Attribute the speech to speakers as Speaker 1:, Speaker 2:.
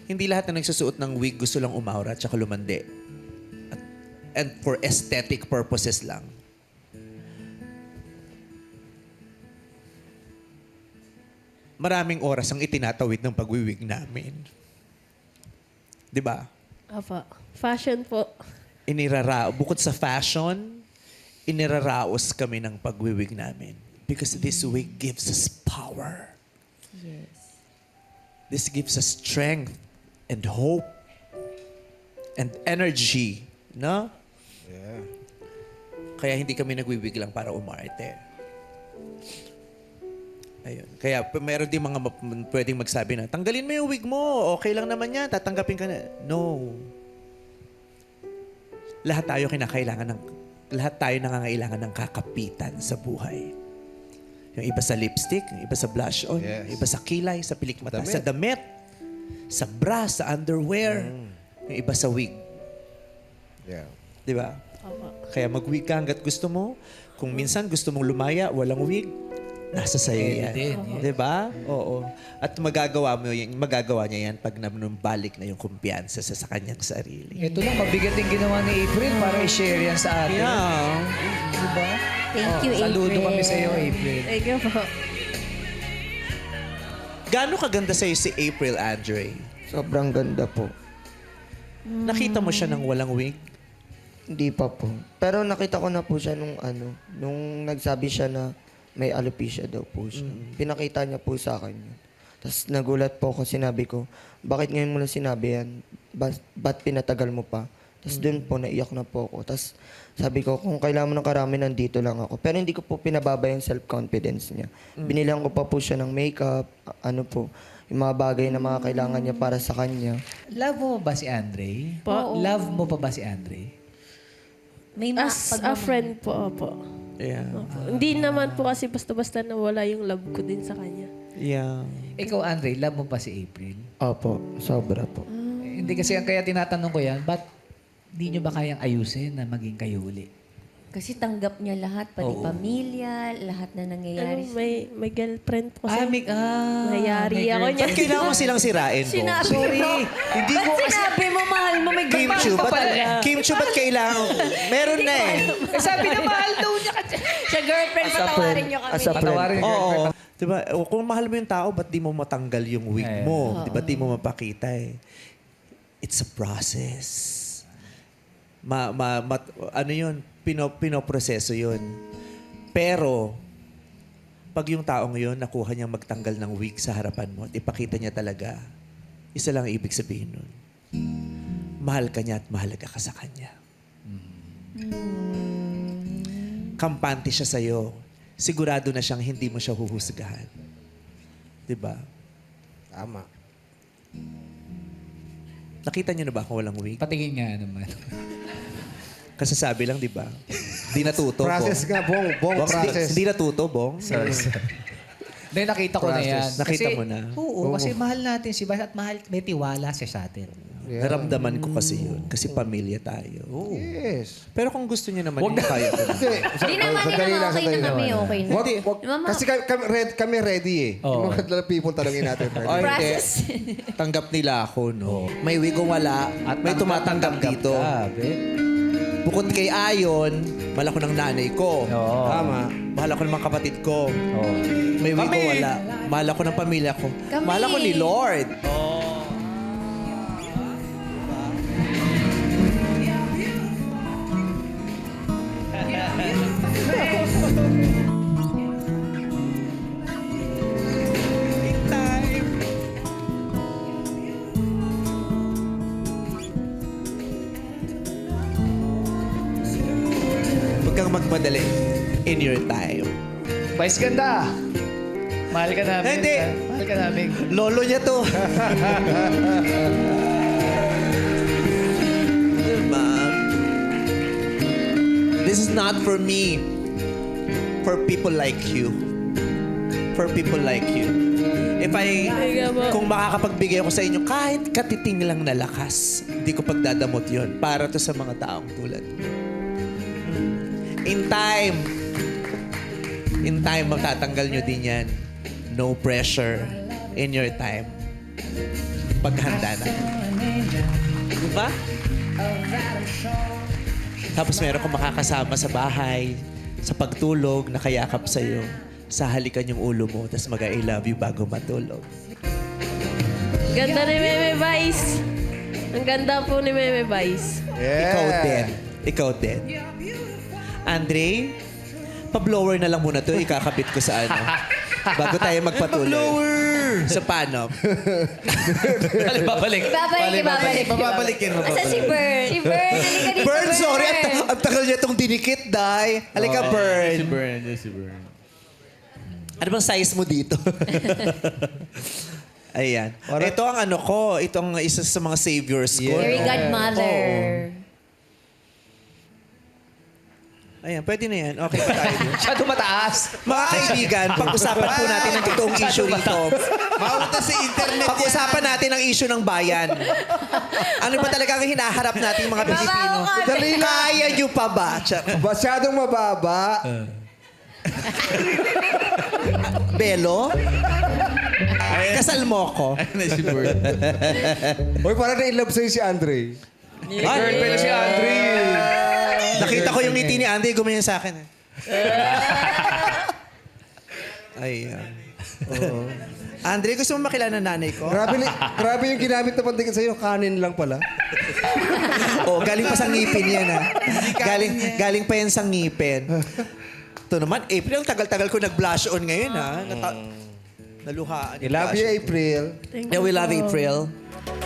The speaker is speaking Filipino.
Speaker 1: hindi lahat na nagsusuot ng wig gusto lang umaura at saka lumandi. And for aesthetic purposes lang. Maraming oras ang itinatawid ng pagwiwig namin. Di ba?
Speaker 2: Apa. Fashion po.
Speaker 1: Bukod sa fashion, iniraraos kami ng pagwiwig namin. Because this wig gives us power.
Speaker 3: Yes.
Speaker 1: This gives us strength and hope and energy. No?
Speaker 4: Yeah.
Speaker 1: Kaya hindi kami nagwiwig lang para umarte. Ayun. Kaya meron din mga pwedeng magsabi na, tanggalin mo yung wig mo, okay lang naman yan, tatanggapin ka na. No. Lahat tayo nangangailangan ng kakapitan sa buhay. Yung iba sa lipstick, yung iba sa blush on,
Speaker 4: Yes.
Speaker 1: yung iba sa kilay, sa pilikmata,
Speaker 4: Damit.
Speaker 1: sa damit, sa bra, sa underwear, yung iba sa wig.
Speaker 4: Yeah.
Speaker 1: Di ba?
Speaker 2: Apa.
Speaker 1: Kaya mag-wig ka hanggat gusto mo. Kung minsan gusto mong lumaya, walang wig, nasa sayo yan. Di ba? Oo. At magagawa niya yan pag balik na yung kumpiyansa sa kanyang sarili.
Speaker 5: Ito lang, mabigat yung ginawa ni April para i-share yan sa atin.
Speaker 1: Yeah.
Speaker 5: Diba?
Speaker 3: Thank you, April.
Speaker 5: Saludo kami sa iyo, April.
Speaker 2: Thank you po.
Speaker 1: Gaano kaganda sa'yo si April, Andre?
Speaker 6: Sobrang ganda po.
Speaker 1: Nakita mo siya ng walang wig?
Speaker 6: Hindi pa po. Pero nakita ko na po siya nung nagsabi siya na may alopecia daw po siya. Pinakita niya po sa akin yun. Tapos nagulat po ako, sinabi ko, bakit ngayon mo na sinabi yan? Ba't pinatagal mo pa? Tapos doon po, naiyak na po ako. Tapos sabi ko, kung kailangan mo ng karami, nandito lang ako. Pero hindi ko po pinababa yung self-confidence niya. Binilang ko pa po siya ng makeup, yung mga bagay na mga kailangan niya para sa kanya.
Speaker 5: Love mo ba si Andre?
Speaker 2: Po.
Speaker 5: Love mo pa ba si Andre?
Speaker 3: May
Speaker 2: As a friend po, opo.
Speaker 1: Yeah.
Speaker 2: Opo. Hindi naman po kasi basta-basta nawala yung love ko din sa kanya.
Speaker 1: Yeah.
Speaker 5: Ikaw, Andre, love mo pa si April?
Speaker 6: Opo, sobra po.
Speaker 5: Hindi kasi kaya tinatanong ko yan, ba't di nyo ba kayang ayusin na maging kayo uli?
Speaker 3: Kasi tanggap niya lahat, pati
Speaker 5: Oo.
Speaker 3: pamilya, lahat na nangyayari.
Speaker 2: May girlfriend po kasi. Mayari
Speaker 5: may
Speaker 2: ako niya.
Speaker 1: Ba't kailangan mo silang sirain mo?
Speaker 3: Sinabi
Speaker 5: Sorry.
Speaker 3: mo.
Speaker 1: Hindi
Speaker 3: Ba't
Speaker 1: ko kasi...
Speaker 3: sinabi mo, mahal mo, may
Speaker 1: Kim Chu, ba't kailangan? Meron na eh.
Speaker 5: Sabi na mahal daw niya kasi.
Speaker 3: Siya girlfriend, patawarin niyo kami.
Speaker 6: As a friend.
Speaker 5: Patawarin yung
Speaker 1: Oo.
Speaker 5: girlfriend.
Speaker 1: Diba? Kung mahal mo yung tao, ba't di mo matanggal yung wig mo? Diba di mo mapakita eh? It's a process. Ano yun? Pinoproseso yun. Pero, pag yung taong yun, nakuha niyang magtanggal ng wig sa harapan mo at ipakita niya talaga, isa lang ang ibig sabihin nun. Mahal ka niya at mahalaga ka sa kanya. Kampante siya sa'yo. Sigurado na siyang hindi mo siya huhusgahan. Diba?
Speaker 4: Tama.
Speaker 1: Nakita niyo na ba kung walang wig?
Speaker 5: Patingin nga naman.
Speaker 1: Kasasabi lang, di ba? Di natuto,
Speaker 4: Process
Speaker 1: Bong.
Speaker 4: nga, Bong. Bong, process.
Speaker 1: Hindi natuto, Bong?
Speaker 5: Hindi, nakita ko na yan.
Speaker 1: Nakita mo na?
Speaker 5: Oo, kasi mahal natin si Bas at mahal, may tiwala siya sa atin.
Speaker 1: Naramdaman ko kasi yun. Kasi pamilya tayo.
Speaker 4: Yes.
Speaker 1: Pero kung gusto niyo naman, yung kaya ko na.
Speaker 3: Hindi naman,
Speaker 4: Sandali lang,
Speaker 3: okay
Speaker 4: sandali
Speaker 3: na kami,
Speaker 4: lang.
Speaker 3: okay na. Mama,
Speaker 4: Kasi kami ready eh.
Speaker 5: Oo.
Speaker 4: Yung mga people talangin natin.
Speaker 1: Ay, hindi.
Speaker 3: process.
Speaker 1: Tanggap nila ako, no? May wig o wala, may tumatanggap dito. Bukod kay Ayon, mahal ako ng nanay ko.
Speaker 5: Oo.
Speaker 4: Tama.
Speaker 1: Mahal ako ng mga kapatid ko.
Speaker 5: Oo.
Speaker 1: May wig o wala, mahal ako ng pamilya ko.
Speaker 3: Kami.
Speaker 1: Mahal ako ni Lord. Huwag kang magmadali in your time.
Speaker 5: Vice ganda. Mahal ka namin.
Speaker 1: Hindi.
Speaker 5: Mahal ka namin.
Speaker 1: Lolo niya to. Diba? This is not for me. For people like you. For people like you. Kung makakapagbigay ako sa inyo, kahit katiting lang na lakas, hindi ko pagdadamot yon para to sa mga taong tulad mo. In time, matatanggal nyo din yan. No pressure in your time. paghanda na. Diba? Tapos meron kang makakasama sa bahay, sa pagtulog, nakayakap sa'yo. Sahalikan yung ulo mo, tapos mag-I love you bago matulog.
Speaker 2: Ganda ni Meme Vice. Ang ganda po ni Meme Vice.
Speaker 1: Ikaw din. Ikaw din. Andre, pa-blower na lang muna to. Ikakabit ko sa ano. Bago tayo magpatuloy. Pa-blower! Sa paano?
Speaker 5: Babalik.
Speaker 3: Babalik.
Speaker 1: Babalikin mo.
Speaker 3: Asa si Bern? Si Bern, halika dito.
Speaker 1: Bern, sorry. Ang tagal niya itong dinikit, Day. Halika, Bern.
Speaker 7: Si Bern.
Speaker 1: Ano bang size mo dito? Ayan. Ito ang ano ko. Ito ang isa sa mga saviors ko.
Speaker 3: Fairy godmother.
Speaker 1: Ayan, pwede na yan. Okay pa tayo dun.
Speaker 5: Masyado mataas.
Speaker 1: Mga kaibigan, pag-usapan po natin ang totoong issue rito.
Speaker 7: Maunta sa internet
Speaker 1: Pag-usapan natin ang issue ng bayan. Ano ba talaga ang hinaharap natin mga Pilipino? Kaya nyo pa ba?
Speaker 4: Masyadong mababa.
Speaker 1: Belo? Kasal mo ko.
Speaker 7: na si Bern.
Speaker 4: Uy, parang na-inlove sa'yo si Andre.
Speaker 5: Girlfriend si Andre.
Speaker 1: Nakita ko yung ngiti ni Andy, gumanyan sa akin. Ayan. Oo. Andre, gusto mo makilala ng nanay ko?
Speaker 4: Grabe yung ginamit na pandikin sa'yo. Kanin lang pala.
Speaker 1: Oh, galing pa sa ngipin yan, ha? Galing pa yan sa ngipin. Ito naman, April, tagal-tagal ko nag-blush on ngayon, ha? Naluhaan.
Speaker 4: I love you, April.
Speaker 1: Yeah, we love April.